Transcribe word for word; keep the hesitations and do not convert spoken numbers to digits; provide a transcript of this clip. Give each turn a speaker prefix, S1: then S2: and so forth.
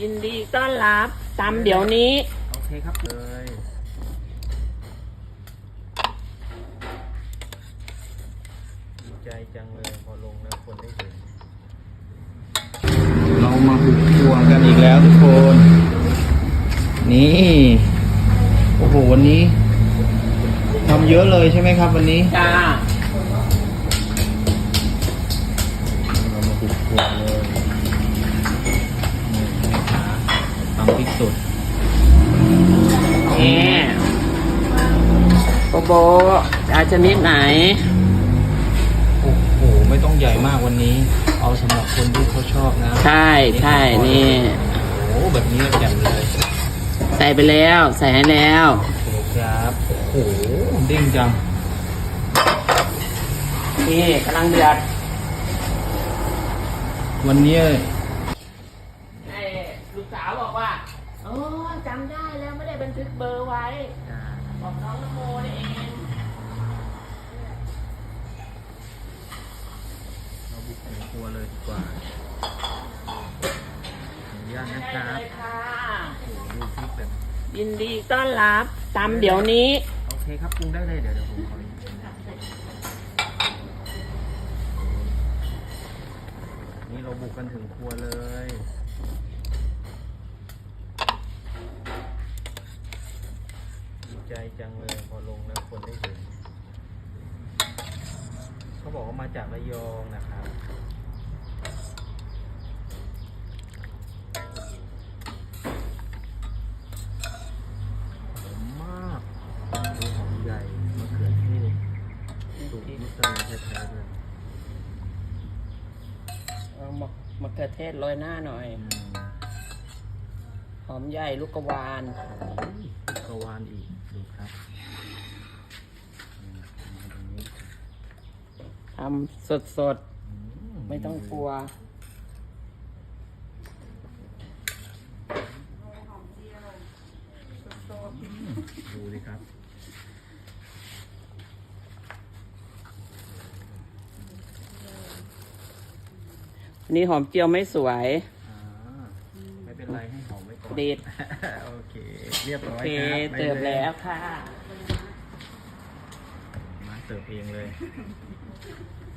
S1: ยินดีต้อนรับตำเดี๋ยวนี้
S2: โอเคครับเลยดีใจจังเลยพอลงแล้วคนได้เห็นเรามาบุกครัวกันอีกแล้วทุกคนนี่โอ้โหวันนี้ทำเยอะเลยใช่ไหมครับวันนี้
S1: จ้า
S2: เรามาบุกครัวเลยทำที่สุด
S1: นี่โบโบจะชนิดไหน
S2: โอ้โหไม่ต้องใหญ่มากวันนี้เอาสำหรับคนที่เขาชอบนะ
S1: ใช่ใช่นี่
S2: โอ้แบบนี้แจ่มเลย
S1: ใส่ไปแล้วใส่ให้แล้ว
S2: โอเคครับโอ้โหเด้งจัง
S1: นี่กำลังเดือด
S2: วันนี้
S1: ไอ้ลูกสาวบอกว่าโอ้จำได้แล้วไม่ได้บันทึกเบอร์ไว้บอกน้องนโมนี่เอง
S2: เราบุกถึงครัวเลยดีกว่าอนุญาตนะครับโอ้โหดูพริกแบบ
S1: ยินดีต้อนรับตำเดี๋ยวนี้
S2: โอเคครับปรุงได้เลยเดี๋ยวเดี๋ยวผมขอนี่เราบุกกันถึงครัวเลยดีใจจังเลยพอลงแล้วคนได้เห็นเขาบอกว่ามาจากระยองนะครับหอมมากดูหอมใหญ่มะเขือเทศสูตรมิสลินแท้ๆเลย
S1: เอามะมะเขือเทศโรยหน้าหน่อยหอมใหญ่ลูกกวาน
S2: ลูกกวานอีกดูครับ
S1: ทำสดสดไม่ต้องกลัว
S2: ดูดิครับ
S1: นี่หอมเจียวไม่สวย
S2: ไม่เป็นไรให้หอมไว้ก่อน
S1: เด็ด
S2: โอเคเรียบร้อย
S1: ครับเติมแล้วค่ะ
S2: มาเติมเองเลย